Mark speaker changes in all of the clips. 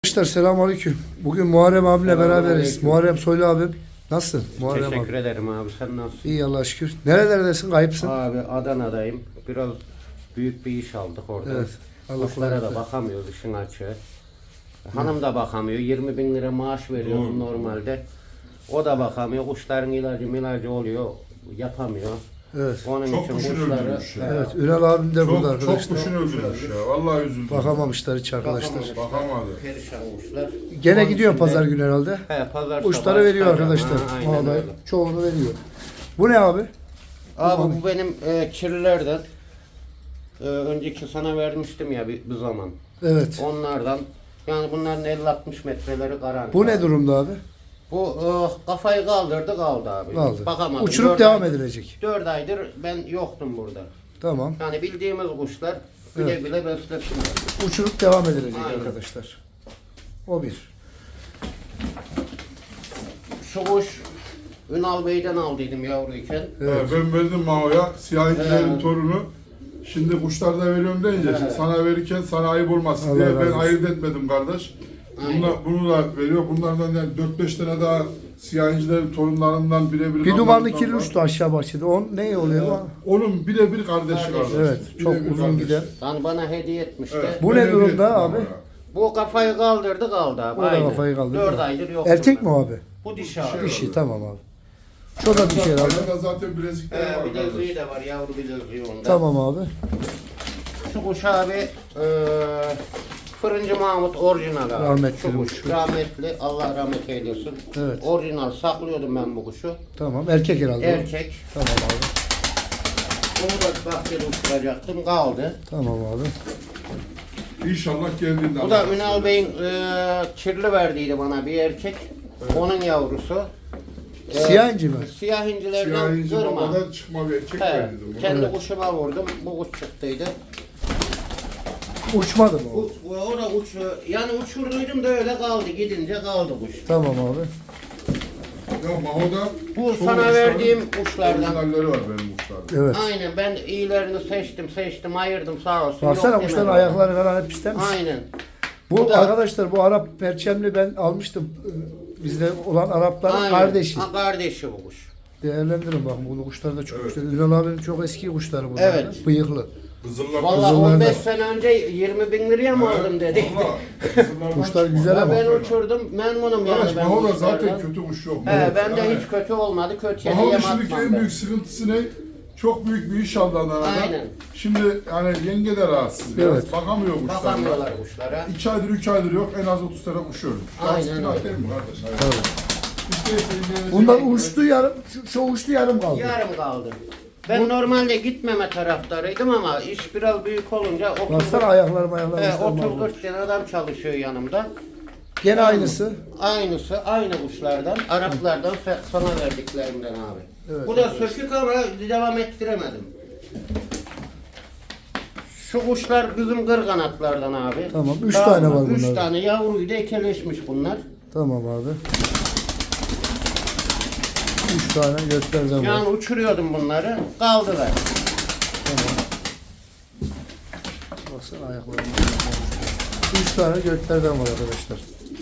Speaker 1: Arkadaşlar selamünaleyküm. Bugün Muharrem abiyle beraberiz. Muharrem Soylu abim. Nasılsın Muharrem abi?
Speaker 2: Teşekkür ederim abi. Sen nasılsın?
Speaker 1: İyi Allah'a şükür. Nerelerdesin? Kayıpsın.
Speaker 2: Abi Adana'dayım. Biraz büyük bir iş aldık orada.
Speaker 1: Evet. Allah
Speaker 2: Kuşlara
Speaker 1: kolaylık
Speaker 2: da
Speaker 1: versin.
Speaker 2: bakamıyoruz işin açığı. Hanım da bakamıyor. 20 bin lira maaş veriyorum normalde. O da bakamıyor. Kuşların ilacı oluyor. Yapamıyor.
Speaker 1: Evet.
Speaker 2: Onun
Speaker 3: Çok
Speaker 2: için
Speaker 3: kuşunu
Speaker 2: kuşları
Speaker 3: öldürmüş ya.
Speaker 1: Evet. Ünal abim de burada
Speaker 3: Çok
Speaker 1: arkadaşlar.
Speaker 3: kuşunu öldürmüş ya. Vallahi üzüldüm.
Speaker 1: Bakamamışlar hiç arkadaşlar.
Speaker 3: Bakamadı.
Speaker 2: perişan kuşlar.
Speaker 1: Gene gidiyor pazar günü herhalde.
Speaker 2: He, pazar
Speaker 1: Kuşları
Speaker 2: sabahı
Speaker 1: veriyor
Speaker 2: çıkacağım.
Speaker 1: arkadaşlar.
Speaker 2: Ha, aynen
Speaker 1: Vallahi
Speaker 2: öyle.
Speaker 1: çoğunu veriyor. Bu ne abi?
Speaker 2: Abi bu benim kirlilerden. Önceki sana vermiştim ya bir zaman.
Speaker 1: Evet.
Speaker 2: Onlardan. Yani bunların 50-60 metreleri garanti.
Speaker 1: Bu ne
Speaker 2: abi.
Speaker 1: durumda abi?
Speaker 2: Bu kafayı kaldırdı kaldı abi.
Speaker 1: Kaldı.
Speaker 2: Bakamadım.
Speaker 1: Uçurup
Speaker 2: Dört
Speaker 1: devam
Speaker 2: aydır-
Speaker 1: edilecek.
Speaker 2: 4 aydır ben yoktum burada.
Speaker 1: Tamam.
Speaker 2: Yani bildiğimiz kuşlar güle
Speaker 1: Evet.
Speaker 2: güle beslesinler.
Speaker 1: Uçurup devam edilecek
Speaker 2: Aynen.
Speaker 1: arkadaşlar. O bir.
Speaker 2: Şu kuş Ünal Bey'den aldıydım yavruyken.
Speaker 1: Evet.
Speaker 3: Ben verdim Mao'ya. Siyahilerin
Speaker 2: Evet.
Speaker 3: torunu. Şimdi kuşlar da veriyorum deyince
Speaker 2: Evet.
Speaker 3: sana verirken sana ayıp olmasın
Speaker 1: Allah
Speaker 3: diye
Speaker 1: razı
Speaker 3: ben
Speaker 1: olsun.
Speaker 3: ayırt etmedim kardeş.
Speaker 2: Aynen.
Speaker 3: Bunu da veriyor. Bunlardan yani 4-5 tane daha siyahilerin torunlarından birebir.
Speaker 1: Bir dumanlı
Speaker 3: kanlarından
Speaker 1: kirli
Speaker 3: var.
Speaker 1: uçtu aşağı bahçede. On ne oluyor bu?
Speaker 3: Onun birebir kardeşi
Speaker 2: Kardeş.
Speaker 3: kardeş.
Speaker 1: Evet. Çok
Speaker 3: Birebir
Speaker 1: uzun
Speaker 3: kardeşi.
Speaker 1: gider.
Speaker 2: Yani bana hediye etmişti.
Speaker 3: Evet,
Speaker 1: Bu
Speaker 3: ben
Speaker 1: ne
Speaker 3: hediye
Speaker 1: durumda
Speaker 3: ettim
Speaker 1: abi?
Speaker 3: Mao'ya.
Speaker 2: Bu kafayı kaldırdı kaldı abi.
Speaker 1: O da
Speaker 2: Aynen.
Speaker 1: kafayı kaldırdı.
Speaker 2: 4 aydır yok.
Speaker 1: Erkek mi o abi?
Speaker 2: Bu dişi abi.
Speaker 1: Dişi tamam abi. Çok da bir şey herhalde.
Speaker 3: Ayağında zaten bilezikleri var
Speaker 2: Bileziği
Speaker 3: kardeş.
Speaker 2: de var, yavru bileziği onda.
Speaker 1: Tamam abi.
Speaker 2: Şu kuş abi Fırıncı Mahmut orijinal abi.
Speaker 1: Rahmetli
Speaker 2: Şu
Speaker 1: kuş.
Speaker 2: rahmetli, Allah rahmet eylesin.
Speaker 1: Evet.
Speaker 2: Orijinal saklıyordum ben bu kuşu.
Speaker 1: Tamam. Erkek herhalde. o.
Speaker 2: Erkek.
Speaker 1: Tamam abi.
Speaker 2: Onu da bahçede uçuracaktım, kaldı.
Speaker 1: Tamam abi.
Speaker 3: İnşallah geldiğinde.
Speaker 2: Bu da Ünal Bey'in kirli verdiydi bana bir erkek. Onun yavrusu.
Speaker 1: Siyah inci mi?
Speaker 2: Siyah incilerden
Speaker 3: Siyahici
Speaker 2: kırma.
Speaker 3: babadan çıkma bir erkek
Speaker 2: He,
Speaker 3: verdiydim.
Speaker 2: kendi
Speaker 1: Evet.
Speaker 2: kuşuma vurdum, bu kuş çıktıydı.
Speaker 1: Uçmadı mı o?
Speaker 2: O da yani uçurduydum da öyle kaldı, gidince kaldı kuş.
Speaker 1: Tamam abi.
Speaker 3: Ya Maho'da
Speaker 2: Bu
Speaker 3: çoğu
Speaker 2: sana
Speaker 3: kuşların
Speaker 2: verdiğim kuşlardan.
Speaker 3: orijinalleri var benim kuşlarda.
Speaker 1: Evet.
Speaker 2: Aynen, ben iyilerini seçtim, ayırdım sağ olsun.
Speaker 1: Baksana
Speaker 2: Yok
Speaker 1: kuşların
Speaker 2: demedim.
Speaker 1: ayakları falan hep pislenmiş.
Speaker 2: Aynen.
Speaker 1: Bu
Speaker 2: Bu da-
Speaker 1: arkadaşlar bu Arap perçemli ben almıştım. Bizde olan Arapların
Speaker 2: Aynen.
Speaker 1: kardeşi.
Speaker 2: Ha, kardeşi bu kuş.
Speaker 1: Değerlendirin bakın bu kuşlar da çok
Speaker 3: Evet.
Speaker 1: güçlü. Ünal abinin çok eski kuşları bunlar.
Speaker 2: Evet.
Speaker 1: Bıyıklı.
Speaker 3: Kızıllar
Speaker 2: Vallahi
Speaker 1: Kızıllarda.
Speaker 2: 15 sene önce 20 bin liraya mı aldım dedi.
Speaker 1: Kuşlar güzel
Speaker 2: Ya
Speaker 1: ama.
Speaker 2: ben uçurdum, memnunum yani
Speaker 3: Arkadaş
Speaker 2: ben
Speaker 3: Maho'da
Speaker 2: bu
Speaker 3: zaten
Speaker 2: kuşlardan.
Speaker 3: kötü kuş yok.
Speaker 2: He, bende hiç kötü olmadı, kötüye
Speaker 3: Maho'nun
Speaker 2: yem
Speaker 3: şimdiki
Speaker 2: atmam
Speaker 3: en
Speaker 2: ben.
Speaker 3: büyük sıkıntısı ne? Çok büyük bir iş aldı Adana'da.
Speaker 2: Aynen.
Speaker 3: Şimdi yani yenge de rahatsız biraz.
Speaker 1: Evet.
Speaker 3: Bakamıyor kuşlarına.
Speaker 2: Bakamıyorlar kuşlara.
Speaker 3: 2 aydır 3 aydır yok. En az 30 tane kuş ölmüş.
Speaker 2: Aynen
Speaker 3: Günah
Speaker 2: öyle.
Speaker 3: değil mi kardeş? Aynen.
Speaker 1: Tabii.
Speaker 3: İşte sevgilenecek-
Speaker 1: Bunlar uçtu yarım, şu uçtu yarım kaldı.
Speaker 2: Yarım kaldı. Ben normalde gitmeme taraftarıydım ama iş biraz büyük olunca
Speaker 1: Baksana ayaklarım ayaklarım.
Speaker 2: 30-40 tane adam çalışıyor yanımda.
Speaker 1: Gene aynısı.
Speaker 2: Aynısı, aynı kuşlardan, Araplardan sana verdiklerimden abi.
Speaker 1: Evet.
Speaker 2: Bu da sökük ama devam ettiremedim. Şu kuşlar bizim kırganatlardan abi.
Speaker 1: Tamam, üç tane var
Speaker 2: 3
Speaker 1: bunların.
Speaker 2: tane yavruyla ekeleşmiş bunlar.
Speaker 1: Tamam abi. 3 tane göklerden var.
Speaker 2: Yani uçuruyordum bunları, kaldılar.
Speaker 1: Baksana ayaklarım. 3 tane göklerden var arkadaşlar.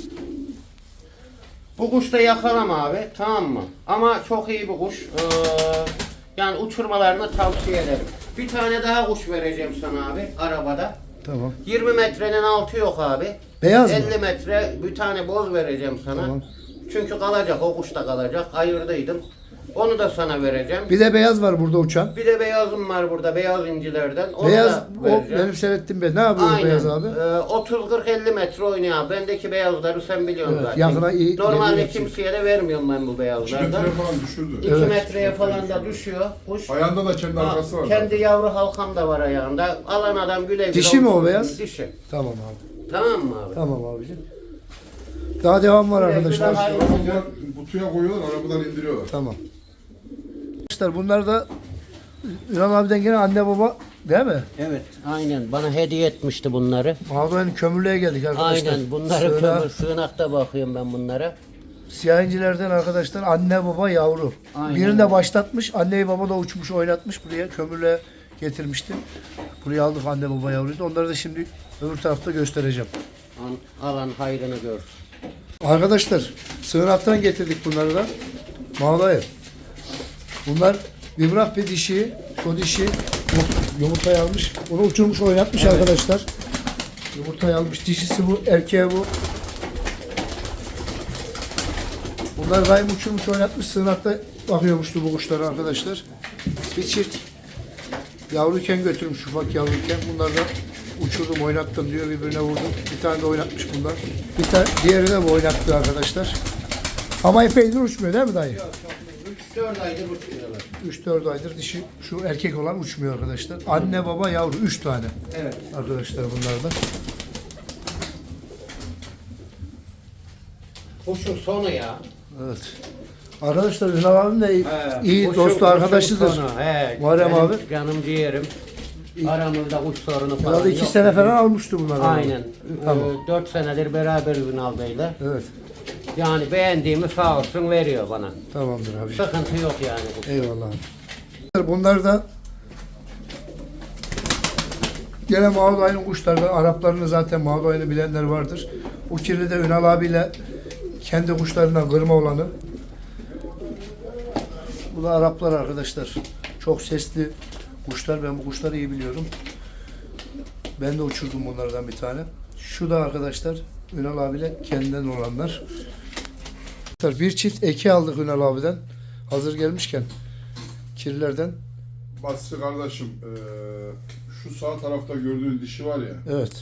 Speaker 2: Bu kuş da yakalama abi, tamam mı? Ama çok iyi bir kuş. Yani uçurmalarını tavsiye ederim. Bir tane daha kuş vereceğim sana abi, arabada.
Speaker 1: Tamam.
Speaker 2: 20 metrenin altı yok abi.
Speaker 1: Beyaz mı?
Speaker 2: 50 metre bir tane boz vereceğim sana.
Speaker 1: Tamam.
Speaker 2: Çünkü kalacak, o kuş da kalacak. Ayırdıydım. Onu da sana vereceğim.
Speaker 1: Bir de beyaz var burada uçan.
Speaker 2: Bir de beyazım var burada, beyaz incilerden. Onu
Speaker 1: Beyaz
Speaker 2: da
Speaker 1: o
Speaker 2: vereceğim.
Speaker 1: benim seyrettiğim beyaz. Ne yapıyor
Speaker 2: Aynen.
Speaker 1: beyaz abi?
Speaker 2: 30-40-50 metre oynuyor abi. Bendeki beyazları sen biliyorsun
Speaker 1: Evet,
Speaker 2: zaten.
Speaker 1: yakına iyi-
Speaker 2: Normalde
Speaker 1: ileri yapacak.
Speaker 2: kimseye de vermiyorum ben bu
Speaker 3: 2
Speaker 2: beyazlardan.
Speaker 3: metre falan düşürdü.
Speaker 2: 2
Speaker 1: Evet.
Speaker 2: metreye falan da düşüyor kuş.
Speaker 3: Ayağında da kendi arkası var.
Speaker 2: Kendi
Speaker 3: zaten.
Speaker 2: yavru halkam da var ayağında. Alan adam güle güle.
Speaker 1: Dişi mi o
Speaker 2: uçursun.
Speaker 1: beyaz?
Speaker 2: Dişi.
Speaker 1: Tamam abi.
Speaker 2: Tamam mı abi?
Speaker 1: Tamam abicim. Daha devam var
Speaker 2: Güle güle
Speaker 1: arkadaşlar.
Speaker 2: hayırlı.
Speaker 3: Bunlar kutuya koyuyorlar, arabadan indiriyorlar.
Speaker 1: Tamam. Arkadaşlar bunlar da Ünal abiden gene anne baba değil mi?
Speaker 2: Evet, aynen. Bana hediye etmişti bunları.
Speaker 1: Mağdur'un kömürlüğe geldik arkadaşlar.
Speaker 2: Aynen, bunları
Speaker 1: Sığınağa-
Speaker 2: kömür sığınakta bakıyorum ben bunlara.
Speaker 1: Siyah incilerden arkadaşlar anne baba yavru.
Speaker 2: Aynen.
Speaker 1: Birini de başlatmış. Anneyi baba da uçmuş oynatmış. Buraya kömürlüğe getirmişti. Buraya aldık anne baba yavruyu da. Onları da şimdi öbür tarafta göstereceğim.
Speaker 2: Alan hayrını görsün.
Speaker 1: Arkadaşlar sığınaktan getirdik bunları da. Mağdaya. Bunlar bir bir dişi. O dişi yumurtayı almış. Onu uçurmuş oynatmış arkadaşlar. Yumurtayı almış. Dişisi bu. Erkeği bu. Bunlar daim uçurmuş oynatmış. Sığınakta bakıyormuştu bu kuşlara arkadaşlar. Bir çift yavruyken götürmüş, ufak yavruyken. Bunlar da uçurdum oynattım diyor, birbirine vurdum. Bir tane de oynatmış bunlar. Bir tane diğeri de bu oynattı arkadaşlar. Ama epeydir uçmuyor değil mi dayı?
Speaker 2: 3-4 aydır uçuyorlar.
Speaker 1: 3-4 aydır dişi şu erkek olan uçmuyor arkadaşlar. Anne baba yavru 3 tane.
Speaker 2: Evet.
Speaker 1: Arkadaşlar bunlardan.
Speaker 2: Kuşun sonu ya.
Speaker 1: Evet. Arkadaşlar Ünal abim de iyi
Speaker 2: Kuşun
Speaker 1: dostu arkadaşıdır.
Speaker 2: sonu. He,
Speaker 1: Muharrem
Speaker 2: benim
Speaker 1: abi.
Speaker 2: Canım ciğerim. Aramızda kuş sorunu falan
Speaker 1: Herhalde 2
Speaker 2: yok.
Speaker 1: sene falan almıştı bunlar.
Speaker 2: Aynen.
Speaker 1: Tamam.
Speaker 2: 4 senedir beraber Ünal Bey'le.
Speaker 1: Evet.
Speaker 2: Yani beğendiğimi sağ olsun veriyor bana.
Speaker 1: Tamamdır abi.
Speaker 2: Sıkıntı yok yani.
Speaker 1: Eyvallah. Bunlar da gene Mağdayı'nın kuşları. Araplarını zaten Mağdayı'nı bilenler vardır. Bu kirli de Ünal abiyle kendi kuşlarından kırma olanı. Bu da Araplar arkadaşlar. Çok sesli kuşlar. Ben bu kuşları iyi biliyorum. Ben de uçurdum bunlardan bir tane. Şu da arkadaşlar Ünal abiyle kendinden olanlar. Bir çift eki aldık Ünal abiden. Hazır gelmişken kirlilerden.
Speaker 3: Basri kardeşim, şu sağ tarafta gördüğün dişi var ya.
Speaker 1: Evet.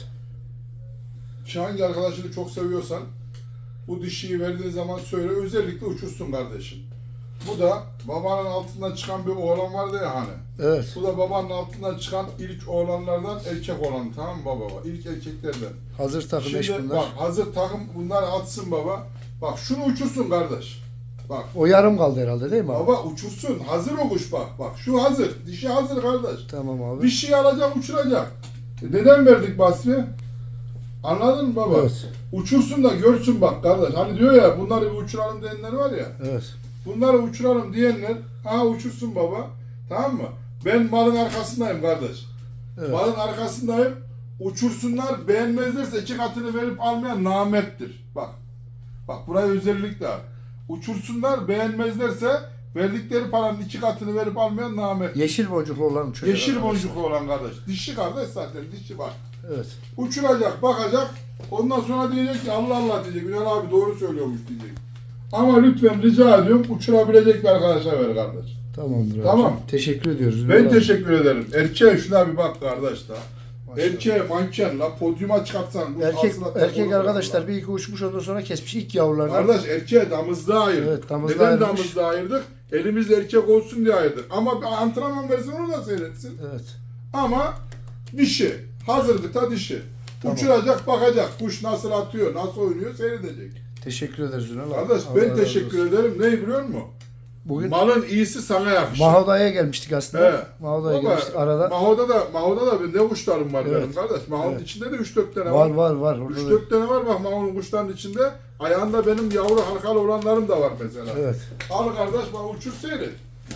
Speaker 3: Hangi arkadaşını çok seviyorsan bu dişiyi verdiğin zaman söyle, özellikle uçursun kardeşim. Bu da babanın altından çıkan bir oğlan vardı ya hani.
Speaker 1: Evet.
Speaker 3: Bu da babanın altından çıkan ilk oğlanlardan erkek olanı, tamam mı baba? İlk erkeklerden.
Speaker 1: Hazır takım eş
Speaker 3: Şimdi
Speaker 1: bunlar.
Speaker 3: bak, hazır takım bunlar atsın baba. Bak şunu uçursun kardeş. Bak.
Speaker 1: O yarım kaldı herhalde değil mi abi?
Speaker 3: Baba uçursun. Hazır o kuş bak. Bak şu hazır. Dişi hazır kardeş.
Speaker 1: Tamam abi.
Speaker 3: Bir şey alacak, uçuracak. Neden verdik Basri? Anladın mı baba?
Speaker 1: Evet.
Speaker 3: Uçursun da görsün bak kardeş. Hani diyor ya bunları bir uçuralım diyenler var ya.
Speaker 1: Evet.
Speaker 3: Bunları uçuralım diyenler uçursun baba. Tamam mı? Ben malın arkasındayım kardeş.
Speaker 1: Evet.
Speaker 3: Malın arkasındayım. Uçursunlar, beğenmezlerse 2 katını verip almayan namerttir. Bak. Bak buraya özellikle al. Uçursunlar, beğenmezlerse verdikleri paranın 2 katını verip almayan namerttir.
Speaker 1: Yeşil boncuklu olan uçuyor.
Speaker 3: Yeşil boncuklu olan kardeş. Dişi kardeş zaten, dişi bak.
Speaker 1: Evet.
Speaker 3: Uçuracak, bakacak. Ondan sonra diyecek ki Allah Allah diyecek. Ünal abi doğru söylüyormuş diyecek. Ama lütfen rica ediyorum uçurabilecek bir arkadaşa ver kardeş.
Speaker 1: Tamamdır abi.
Speaker 3: Tamam.
Speaker 1: Teşekkür ediyoruz.
Speaker 3: Ben
Speaker 1: Ünal abi.
Speaker 3: teşekkür ederim. Erkeğe şuna bir bak kardeş da.
Speaker 1: Maşallah.
Speaker 3: Erkeğe manken la podyuma çıkartsan. bu
Speaker 1: Erkek
Speaker 3: aslında
Speaker 1: erkek
Speaker 3: olur
Speaker 1: arkadaşlar
Speaker 3: la.
Speaker 1: bir iki uçmuş ondan sonra kesmiş ilk yavrulardan.
Speaker 3: Kardeş erkeğe damızda ayırdık.
Speaker 1: Evet, damızda
Speaker 3: Neden
Speaker 1: ayırmış.
Speaker 3: damızda ayırdık? Elimizde erkek olsun diye ayırdık. Ama bir antrenman versin onu da seyretsin.
Speaker 1: Evet.
Speaker 3: Ama dişi. Hazırdı ta dişi.
Speaker 1: Tamam.
Speaker 3: Uçuracak, bakacak. Kuş nasıl atıyor, nasıl oynuyor seyredecek.
Speaker 1: Teşekkür ederiz Ünal abi.
Speaker 3: Kardeş
Speaker 1: Allah
Speaker 3: ben
Speaker 1: razı
Speaker 3: teşekkür
Speaker 1: olsun.
Speaker 3: ederim. Neyi biliyor musun?
Speaker 1: Bugün
Speaker 3: Malın iyisi sana yakışır.
Speaker 1: Mahoda'ya gelmiştik aslında.
Speaker 3: He.
Speaker 1: Mahoda'ya
Speaker 3: Baba,
Speaker 1: gelmiştik arada.
Speaker 3: Maho'da da ne kuşlarım var
Speaker 1: Evet.
Speaker 3: benim kardeş. Maho'nun
Speaker 1: Evet.
Speaker 3: içinde de 3-4 tane
Speaker 1: Var var var. Orada da-
Speaker 3: 3-4 tane var bak Maho'nun kuşların içinde. Ayağında benim yavru halkalı olanlarım da var mesela.
Speaker 1: Evet.
Speaker 3: Al kardeş bak uçur seyret.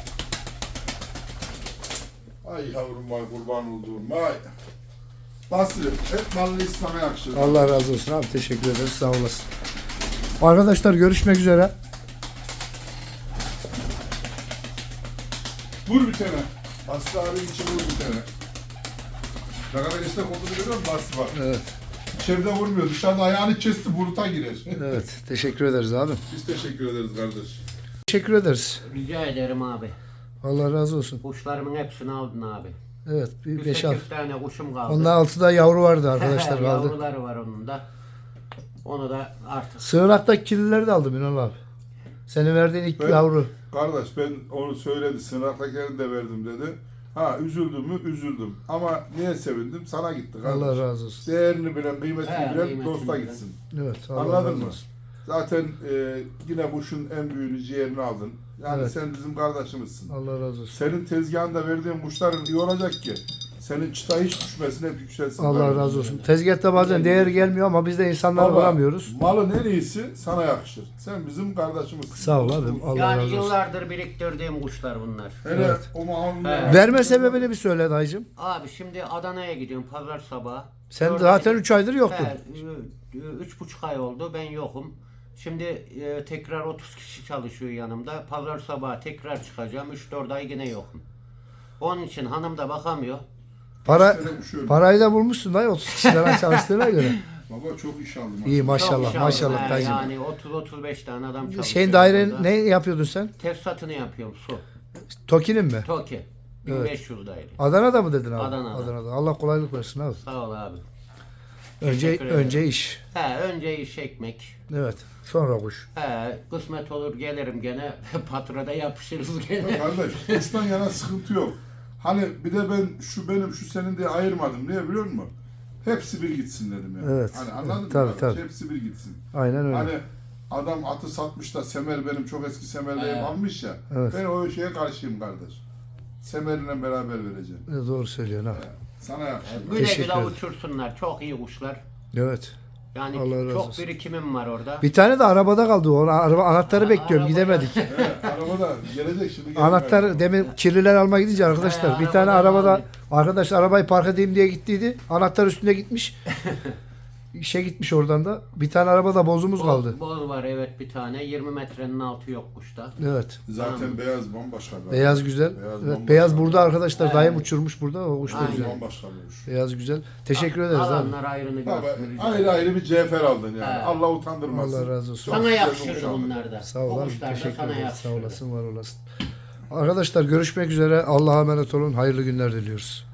Speaker 3: Ay yavrum vay kurban olduğum vay. Basri hep malın iyisi sana yakışır.
Speaker 1: Allah razı olsun abi. Teşekkür ederiz. Sağ olasın. Arkadaşlar görüşmek üzere.
Speaker 3: Vur bir tane. Basri abinin için vur bir tane. Ne kadar esnek olduğunu görüyor musun Basri bak.
Speaker 1: Evet.
Speaker 3: İçeride vurmuyor. Dışarıda ayağını kesti buluta girer.
Speaker 1: Evet. Teşekkür ederiz abi.
Speaker 3: Biz teşekkür ederiz kardeş.
Speaker 1: Teşekkür ederiz.
Speaker 2: Rica ederim abi.
Speaker 1: Allah razı olsun.
Speaker 2: Kuşlarımın hepsini aldın abi.
Speaker 1: Evet. Bir
Speaker 2: Bir
Speaker 1: 5-6.
Speaker 2: 8 tane kuşum kaldı.
Speaker 1: Onda 6'da yavru vardı arkadaşlar kaldı.
Speaker 2: Yavruları var onun da. Onu da artık.
Speaker 1: Sığınaktaki kirlileri de aldım Ünal abi. Senin verdiğin ilk
Speaker 3: Ben-
Speaker 1: yavru.
Speaker 3: Kardeş ben onu söyledi. Sınavdakilerini de verdim dedi. Üzüldüm mü? Üzüldüm. Ama niye sevindim? Sana gitti kardeş.
Speaker 1: Allah razı olsun.
Speaker 3: Değerini bilen, kıymetini
Speaker 2: He,
Speaker 3: bilen
Speaker 2: kıymetini
Speaker 3: dosta
Speaker 2: bilen.
Speaker 3: gitsin.
Speaker 1: Evet. Allah
Speaker 3: Anladın
Speaker 1: razı
Speaker 3: mı?
Speaker 1: olsun.
Speaker 3: Zaten yine kuşun en büyüğünü ciğerini aldın. Yani
Speaker 1: Evet.
Speaker 3: sen bizim kardeşimizsin.
Speaker 1: Allah razı olsun.
Speaker 3: Senin tezgahında verdiğin kuşların iyi olacak ki senin çıta hiç düşmesin, hep yükselsin.
Speaker 1: Allah
Speaker 3: kardeşim.
Speaker 1: razı olsun. Tezgahta bazen değer gelmiyor ama biz de insanları
Speaker 3: Baba,
Speaker 1: bulamıyoruz.
Speaker 3: malın en iyisi sana yakışır. Sen bizim kardeşimizsin.
Speaker 1: Sağ ol abim. Allah
Speaker 2: Yani
Speaker 1: razı olsun.
Speaker 2: yıllardır biriktirdiğim kuşlar bunlar.
Speaker 3: Hele
Speaker 1: Evet.
Speaker 3: o mahallede.
Speaker 2: Evet.
Speaker 1: Verme sebebini bir söyle dayıcım.
Speaker 2: Abi şimdi Adana'ya gidiyorum pazar sabahı.
Speaker 1: Sen
Speaker 2: Dört
Speaker 1: zaten
Speaker 2: ay-
Speaker 1: 3 aydır yoktun.
Speaker 2: He, 3,5 ay oldu ben yokum. Şimdi tekrar 30 kişi çalışıyor yanımda. Pazar sabahı tekrar çıkacağım. 3-4 ay yine yokum. Onun için hanım da bakamıyor.
Speaker 1: Para
Speaker 3: İşte uçuyorum.
Speaker 1: parayı da bulmuşsun dayı 30 kişiden çalıştığına göre.
Speaker 3: Baba çok iş aldım.
Speaker 1: İyi
Speaker 2: Çok
Speaker 1: maşallah
Speaker 2: iş
Speaker 1: maşallah
Speaker 2: aldım.
Speaker 1: dayıcım.
Speaker 2: Yani 30-35 tane adam çalışıyor.
Speaker 1: Şeyin dairenin
Speaker 2: burada.
Speaker 1: ne yapıyordun sen?
Speaker 2: Tesisatını yapıyorum su.
Speaker 1: Toki'nin mi?
Speaker 2: Toki. 1500 daire.
Speaker 1: Adana'da mı dedin abi?
Speaker 2: Adana'da.
Speaker 1: Allah kolaylık versin abi.
Speaker 2: Sağ ol abi.
Speaker 1: Önce
Speaker 2: Teşekkür ederim.
Speaker 1: önce iş.
Speaker 2: Önce iş ekmek.
Speaker 1: Evet. Sonra kuş.
Speaker 2: Kısmet olur gelirim gene. Patrada yapışırız gene.
Speaker 3: Kardeş kuştan yana sıkıntı yok. Hani bir de ben şu benim şu senin diye ayırmadım. Niye biliyor musun? Hepsi bir gitsin dedim yani.
Speaker 1: Evet.
Speaker 3: Hani anladın
Speaker 1: Tabii,
Speaker 3: mı?
Speaker 1: tabii.
Speaker 3: Hepsi bir gitsin.
Speaker 1: Aynen öyle.
Speaker 3: Hani adam atı satmış da Semer benim çok eski Semer'deyim almış ya.
Speaker 1: Evet.
Speaker 3: Ben o şeye karşıyım kardeş. Semer'le beraber vereceğim.
Speaker 1: Doğru söylüyorsun abi.
Speaker 3: Sana yakışır.
Speaker 2: Güle
Speaker 1: Teşekkür
Speaker 2: güle
Speaker 1: ederim.
Speaker 2: uçursunlar. Çok iyi kuşlar.
Speaker 1: Evet.
Speaker 2: Yani
Speaker 1: Allah razı
Speaker 2: çok
Speaker 1: olsun.
Speaker 2: birikimim var orada.
Speaker 1: Bir tane de arabada kaldı. Onu araba anahtarı bekliyorum.
Speaker 2: arabaya-
Speaker 1: Gidemedik.
Speaker 3: Evet, arabada gelecek şimdi.
Speaker 1: Anahtar demin kirliler almaya gidince arkadaşlar bir tane
Speaker 2: arabadan
Speaker 1: arabada
Speaker 2: aldı.
Speaker 1: arkadaş arabayı park edeyim diye gittiydi. Anahtar üstünde gitmiş. İşe gitmiş oradan da. Bir tane arabada bozumuz kaldı.
Speaker 2: Boz var evet bir tane. 20 metrenin altı yok kuşta.
Speaker 1: Evet.
Speaker 3: Zaten beyaz bambaşka. bir
Speaker 1: Beyaz
Speaker 3: adam.
Speaker 1: güzel.
Speaker 3: Beyaz
Speaker 1: Evet,
Speaker 3: bambaşka
Speaker 1: beyaz
Speaker 3: bir
Speaker 1: burada
Speaker 3: adam.
Speaker 1: arkadaşlar. Dayım uçurmuş burada. O kuş da
Speaker 2: Aynen.
Speaker 1: güzel.
Speaker 3: Bambaşka bir kuş.
Speaker 1: Beyaz güzel. Teşekkür ederiz abi.
Speaker 2: Alanlar ayrını
Speaker 3: Abi,
Speaker 2: görsün.
Speaker 3: ayrı ayrı bir cevher aldın yani.
Speaker 2: Evet.
Speaker 3: Allah utandırmasın.
Speaker 1: Allah razı olsun.
Speaker 3: Çok
Speaker 2: Sana
Speaker 3: güzel bir
Speaker 2: yakışır
Speaker 3: kuş aldın.
Speaker 2: bunlar da.
Speaker 1: Sağ ol
Speaker 2: Bu
Speaker 1: abi.
Speaker 2: kuşlar da
Speaker 1: Teşekkür
Speaker 2: sana
Speaker 1: ederiz.
Speaker 2: yakışır.
Speaker 1: Sağ olasın, var olasın. Arkadaşlar görüşmek üzere. Allah'a emanet olun. Hayırlı günler diliyoruz.